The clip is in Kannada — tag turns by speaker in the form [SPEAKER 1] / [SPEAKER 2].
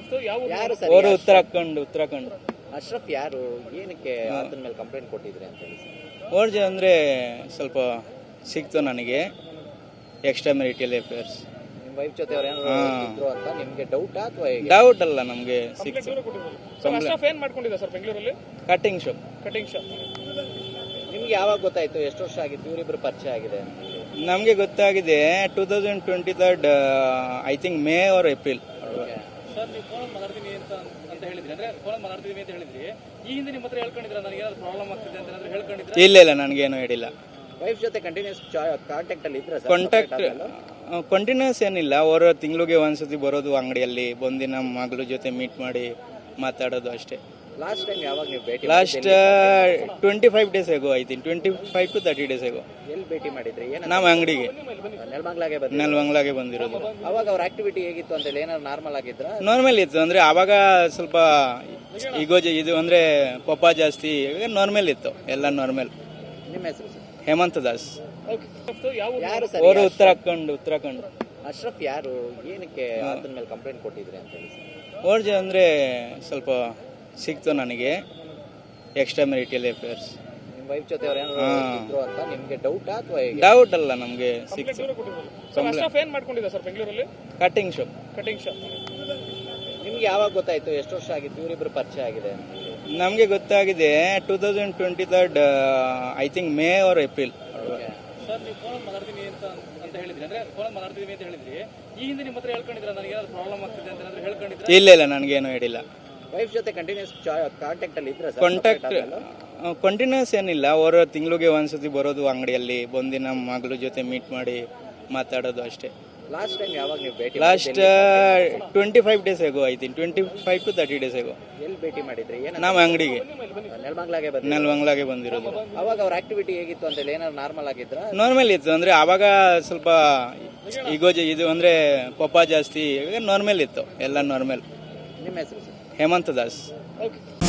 [SPEAKER 1] ಯಾರು ಸರ್
[SPEAKER 2] ಅವರು ಉತ್ತರಾಖಂಡ್
[SPEAKER 1] ಅಶ್ರಫ್ ಯಾರು ಏನಕ್ಕೆ ಆತನ ಮೇಲೆ ಕಂಪ್ಲೇಂಟ್ ಕೊಟ್ಟಿದ್ರಿ ಅಂತ ಹೇಳಿ ಸರ್?
[SPEAKER 2] ಓರ್ಜೆ ಅಂದರೆ ಸ್ವಲ್ಪ ಸಿಕ್ತು ನನಗೆ ಎಕ್ಸ್ಟ್ರಾ ಮೆರಿಟಲ್ ಅಫೇರ್ಸ್.
[SPEAKER 1] ನಿಮ್ಮ ವೈಫ್ ಜೊತೆ ಅವ್ರು ಏನಾದ್ರು ಇದ್ರು ಅಂತ ನಿಮ್ಗೆ ಡೌಟಾ ಅಥವಾ ಹೇಗೆ?
[SPEAKER 2] ಡೌಟ್ ಅಲ್ಲ, ನಮಗೆ ಸಿಕ್ತು.
[SPEAKER 3] ಏನ್ ಮಾಡ್ಕೊಂಡಿದ್ದ ಸರ್ ಬೆಂಗಳೂರಲ್ಲಿ?
[SPEAKER 2] Cutting shop.
[SPEAKER 1] ನಿಮ್ಗೆ ಯಾವಾಗ ಗೊತ್ತಾಯ್ತು? ಎಷ್ಟು ವರ್ಷ ಆಗಿತ್ತು ಇವರಿಬ್ರು ಪರಿಚಯ ಆಗಿದೆ ಅಂತ?
[SPEAKER 2] ನಮಗೆ ಗೊತ್ತಾಗಿದೆ 2023 I think May or April.
[SPEAKER 3] Sir ನೀವು ಫೋನ್ ಮಾತಾಡ್ತೀನಿ ಅಂತ ಹೇಳಿದ್ರಿ, ಅಂದ್ರೆ ಫೋನ್ ಮಾತಾಡ್ತೀವಿ ಅಂತ ಹೇಳಿದ್ರಿ. ಈ ಹಿಂದೆ ನಿಮ್ಮ ಹತ್ರ ಹೇಳ್ಕೊಂಡಿದ್ರ ನನಗೆ ಏನಾದ್ರು ಪ್ರಾಬ್ಲಮ್ ಆಗ್ತಿದೆ ಅಂತ ಏನಾದ್ರು ಹೇಳ್ಕೊಂಡಿದ್ರೆ?
[SPEAKER 2] ಇಲ್ಲ ನನಗೇನು ಹೇಳಿಲ್ಲ.
[SPEAKER 1] ವೈಫ್ ಜೊತೆ ಕಂಟಿನ್ಯೂಸ್ ಕಾಂಟ್ಯಾಕ್ಟ್ ಅಲ್ಲಿ ಇದ್ರ?
[SPEAKER 2] ಕಂಟಿನ್ಯೂಸ್ ಏನಿಲ್ಲ, ಅವರು ತಿಂಗಳಿಗೆ ಒಂದ್ಸತಿ ಬರೋದು, ಅಂಗಡಿಯಲ್ಲಿ ಬಂದು ನಮ್ಮ ಮಗಳ ಜೊತೆ ಮೀಟ್ ಮಾಡಿ ಮಾತಾಡೋದು ಅಷ್ಟೇ.
[SPEAKER 1] ಲಾಸ್ಟ್ ಟೈಮ್ ಯಾವಾಗ ನೀವು ಭೇಟಿ?
[SPEAKER 2] Last 25 days ago, I think 25 to 30 days ಆಗೋ.
[SPEAKER 1] ಎಲ್ಲಿ ಭೇಟಿ ಮಾಡಿದ್ರಿ?
[SPEAKER 2] ನಮ್ಮ ಅಂಗಡಿಗೆ
[SPEAKER 1] ನೆಲಮಂಗ್ಲಾಗೆ
[SPEAKER 2] ಬಂದಿರೋದು.
[SPEAKER 1] ಅವಾಗ ಅವ್ರ ಆಕ್ಟಿವಿಟಿ ಹೇಗಿತ್ತು ಅಂತ ಹೇಳಿ ಏನಾದ್ರು ನಾರ್ಮಲ್ ಆಗಿದ್ರ?
[SPEAKER 2] ನಾರ್ಮಲ್ ಇತ್ತು, ಅಂದ್ರೆ ಆವಾಗ ಸ್ವಲ್ಪ ಇದು ಅಂದ್ರೆ ಕೋಪ ಜಾಸ್ತಿ, ನಾರ್ಮಲ್ ಇತ್ತು, ಎಲ್ಲ ನಾರ್ಮಲ್.
[SPEAKER 1] ನಿಮ್ಮ ಹೆಸರು ಸರ್?
[SPEAKER 2] ಹೇಮಂತ್ ದಾಸ್.
[SPEAKER 1] ಯಾರು ಸರ್?
[SPEAKER 2] ಅವರು ಉತ್ತರಾಖಂಡ್.
[SPEAKER 1] ಅಶ್ರಫ್ ಯಾರು ಏನಕ್ಕೆ ಆತನ ಮೇಲೆ ಕಂಪ್ಲೇಂಟ್ ಕೊಟ್ಟಿದ್ರಿ ಅಂತ ಹೇಳಿ ಸರ್?
[SPEAKER 2] ಓರ್ಜೆ ಅಂದರೆ ಸ್ವಲ್ಪ ಸಿಕ್ತು ನನಗೆ ಎಕ್ಸ್ಟ್ರಾ ಮೆರಿಟಲ್ ಅಫೇರ್ಸ್.
[SPEAKER 1] ನಿಮ್ಮ ವೈಫ್ ಜೊತೆ ಅವ್ರು ಏನಾದ್ರು ಇದ್ರು ಅಂತ ನಿಮ್ಗೆ ಡೌಟಾ ಅಥವಾ ಹೇಗೆ?
[SPEAKER 2] ಡೌಟ್ ಅಲ್ಲ, ನಮಗೆ ಸಿಕ್ತು.
[SPEAKER 3] ಏನ್ ಮಾಡ್ಕೊಂಡಿದ್ದ ಸರ್ ಬೆಂಗಳೂರಲ್ಲಿ?
[SPEAKER 2] Cutting shop.
[SPEAKER 1] ನಿಮ್ಗೆ ಯಾವಾಗ ಗೊತ್ತಾಯ್ತು? ಎಷ್ಟು ವರ್ಷ ಆಗಿತ್ತು ಇವರಿಬ್ರು ಪರಿಚಯ ಆಗಿದೆ ಅಂತ?
[SPEAKER 2] ನಮಗೆ ಗೊತ್ತಾಗಿದೆ 2023 I think May or April.
[SPEAKER 3] Sir ನೀವು ಫೋನ್ ಮಾತಾಡ್ತೀನಿ ಅಂತ ಹೇಳಿದ್ರಿ, ಅಂದ್ರೆ ಫೋನ್ ಮಾತಾಡ್ತೀವಿ ಅಂತ ಹೇಳಿದ್ರಿ. ಈ ಹಿಂದೆ ನಿಮ್ಮ ಹತ್ರ ಹೇಳ್ಕೊಂಡಿದ್ರ ನನಗೆ ಏನಾದ್ರು ಪ್ರಾಬ್ಲಮ್ ಆಗ್ತಿದೆ ಅಂತ ಏನಾದ್ರು ಹೇಳ್ಕೊಂಡಿದ್ರೆ?
[SPEAKER 2] ಇಲ್ಲ ನನಗೇನು ಹೇಳಿಲ್ಲ.
[SPEAKER 1] ವೈಫ್ ಜೊತೆ ಕಂಟಿನ್ಯೂಸ್ ಕಾಂಟ್ಯಾಕ್ಟ್ ಅಲ್ಲಿ ಇದ್ರ?
[SPEAKER 2] ಕಂಟಿನ್ಯೂಸ್ ಏನಿಲ್ಲ, ಅವರು ತಿಂಗಳಿಗೆ ಒಂದ್ಸತಿ ಬರೋದು, ಅಂಗಡಿಯಲ್ಲಿ ಬಂದು ನಮ್ಮ ಮಗಳ ಜೊತೆ ಮೀಟ್ ಮಾಡಿ ಮಾತಾಡೋದು ಅಷ್ಟೇ.
[SPEAKER 1] ಲಾಸ್ಟ್ ಟೈಮ್ ಯಾವಾಗ ನೀವು ಭೇಟಿ?
[SPEAKER 2] Last 25 days ago, I think 25 to 30 days ಆಗೋ.
[SPEAKER 1] ಎಲ್ಲಿ ಭೇಟಿ ಮಾಡಿದ್ರಿ?
[SPEAKER 2] ನಮ್ಮ ಅಂಗಡಿಗೆ
[SPEAKER 1] ನೆಲಮಂಗ್ಲಾಗೆ
[SPEAKER 2] ಬಂದಿರೋದು.
[SPEAKER 1] ಅವಾಗ ಅವ್ರ ಆಕ್ಟಿವಿಟಿ ಹೇಗಿತ್ತು ಅಂತ ಹೇಳಿ ಏನಾದ್ರು ನಾರ್ಮಲ್ ಆಗಿದ್ರ?
[SPEAKER 2] ನಾರ್ಮಲ್ ಇತ್ತು, ಅಂದ್ರೆ ಆವಾಗ ಸ್ವಲ್ಪ ಇದು ಅಂದ್ರೆ ಕೋಪ ಜಾಸ್ತಿ, ನಾರ್ಮಲ್ ಇತ್ತು, ಎಲ್ಲ ನಾರ್ಮಲ್.
[SPEAKER 1] ನಿಮ್ಮ ಹೆಸರು ಸರ್?
[SPEAKER 2] ಹೇಮಂತ್ ದಾಸ್.